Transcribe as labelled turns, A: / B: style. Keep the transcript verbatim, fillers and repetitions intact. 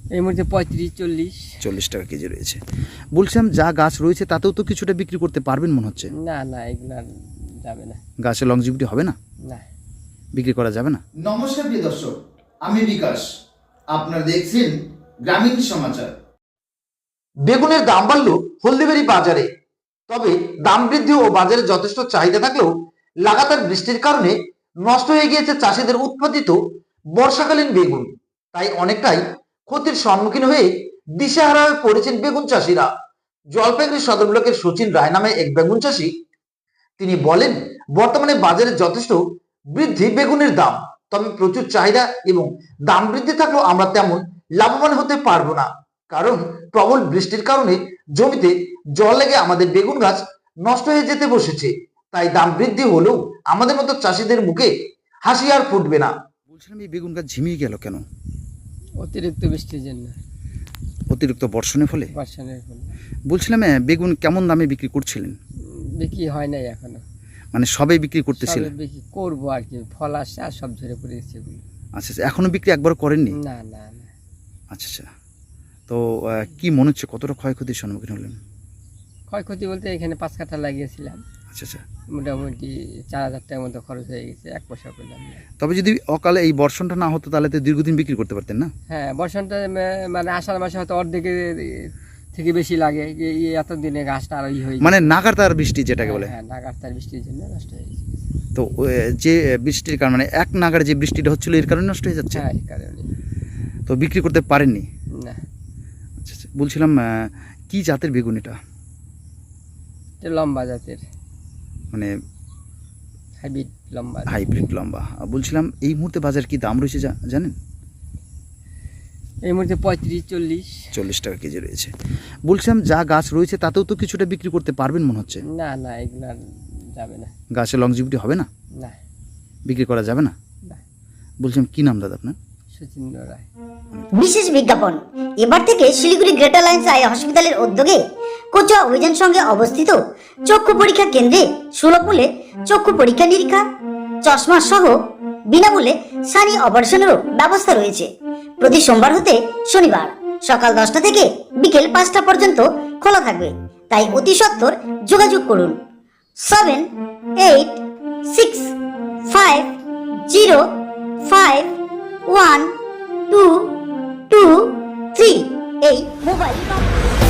A: এই মুহূর্তে পঁয়ত্রিশ চল্লিশ
B: চল্লিশ টাকা কেজি রয়েছে। বলছিলাম যা গাছ রয়েছে তাতেও তো কিছুটা বিক্রি করতে পারবেন মনে হচ্ছে।
A: না না এগুলো যাবে না,
B: গাছের লংজিভিটি হবে না,
A: না
B: বিক্রি করা যাবে না।
C: নমস্কার প্রিয় দর্শক, আমি বিকাশ, আপনারা দেখছেন গ্রামীণ সমাচার।
D: বেগুনের দাম বাড়ল হলদিবাড়ি বাজারে, তবে দাম বৃদ্ধি ও বাজারে যথেষ্ট চাহিদা থাকলেও লাগাতার বৃষ্টির কারণে নষ্ট হয়ে গিয়েছে চাষিদের উৎপাদিত বর্ষাকালীন বেগুন। তাই অনেকটাই ক্ষতির সম্মুখীন হয়ে দিশেহারা হয়ে পড়েছেন বেগুন চাষিরা। জলপাইগুড়ি সদর ব্লকের সচিন রায় নামে এক বেগুন চাষি, তিনি বলেন বর্তমানে বাজারে যথেষ্ট বৃদ্ধি বেগুনের দাম, তবে প্রচুর চাহিদা এবং দাম বৃদ্ধি থাকলেও আমরা তেমন লাভবান হতে পারবো না, কারণ প্রবল বৃষ্টির কারণে জমিতে জল লেগে আমাদের বেগুন গাছ নষ্ট হয়ে যেতে বসেছে। তাই দাম বৃদ্ধি হলেও আমাদের মতো চাষিদের মুখে হাসি আর ফুটবে না।
B: বলছিলাম এই বেগুন গাছ ঝিমিয়ে গেল কেন?
A: অতিরিক্ত বৃষ্টির জন্য,
B: অতিরিক্ত বর্ষণের ফলে।
A: বর্ষণের ফলে।
B: বলছিলাম এ, বেগুন কেমন দামে বিক্রি করছিলেন?
A: বিক্রি হয় নাই এখনো,
B: মানে সবাই বিক্রি করতেছিলেন?
A: সবে বিক্রি করবো আর কি, ফল আসছে আর সব ঝরে পড়ে গেছে এগুলো।
B: আচ্ছা আচ্ছা, এখনো বিক্রি একবার করেননি?
A: না না না।
B: আচ্ছা আচ্ছা, তো আহ, কি মনে হচ্ছে কতটা ক্ষয়ক্ষতির সম্মুখীন হলেন?
A: ক্ষয়ক্ষতি বলতে এখানে পাঁচ কাঠা লাগিয়েছিলাম,
B: আচ্ছা আচ্ছা,
A: মোটামুটি চার হাজার টাকার মতো খরচ হয়ে গেছে, এক পয়সা পেলাম না।
B: তবে যদি অকালে এই বর্ষণটা না হতো তাহলে তো দীর্ঘদিন বিক্রি করতে পারতেন না?
A: হ্যাঁ, বর্ষণটা মে- মানে আষাঢ় মাসে হয়তো অর্ধেকের থেকে বেশি লাগে, এই এই এত দিনে গাছটা আর ই হয়ে
B: মানে নাগারতার বৃষ্টি যেটাকে বলে।
A: হ্যাঁ, নাগার তার বৃষ্টির জন্য নষ্ট হয়ে গেছে।
B: তো ও, যে বৃষ্টির কারণে মানে এক নাগার যে বৃষ্টিটা হচ্ছিল এর কারণে নষ্ট হয়ে যাচ্ছে।
A: হ্যাঁ, এই কারণে।
B: তো বিক্রি করতে পারেননি?
A: না,
B: আচ্ছা আচ্ছা, বলছিলাম আহ, কি জাতের বেগুন এটা?
A: এটা লম্বা জাতের,
B: মানে
A: হাইব্রিড লম্বা।
B: হাইব্রিড লম্বা। আর বলছিলাম এই মুহূর্তে বাজার কি দাম রয়েছে জা- জানেন?
A: এই মুহূর্তে পঁয়ত্রিশ চল্লিশ।
B: চল্লিশ টাকা কেজি রয়েছে। বলছিলাম যা গাছ রয়েছে তাতেও তো কিছুটা বিক্রি করতে পারবেন মনে হচ্ছে।
A: না না এগুলো যাবে না,
B: গাছের লংজিভিটি হবে না,
A: না
B: বিক্রি করা যাবে না।
A: না।
B: বলছিলাম কি নাম দাদা আপনার?
A: সচিন রায়।
E: বিশেষ বিজ্ঞাপন, এবার থেকে শিলিগুড়ি গ্রেটার লাইন্স আই হসপিটালের উদ্যোগে কোচুয়া অভিযান সঙ্গে অবস্থিত চক্ষু পরীক্ষা কেন্দ্রে সুলভ মূল্যে চক্ষু পরীক্ষা নিরীক্ষা, চশমা সহ বিনামূল্যে সানি অপারেশনেরও ব্যবস্থা রয়েছে। প্রতি সোমবার হতে শনিবার সকাল দশটা থেকে বিকেল পাঁচটা পর্যন্ত খোলা থাকবে, তাই অতি সত্বর যোগাযোগ করুন seven eight six five zero five one two two three এই মোবাইল নম্বর।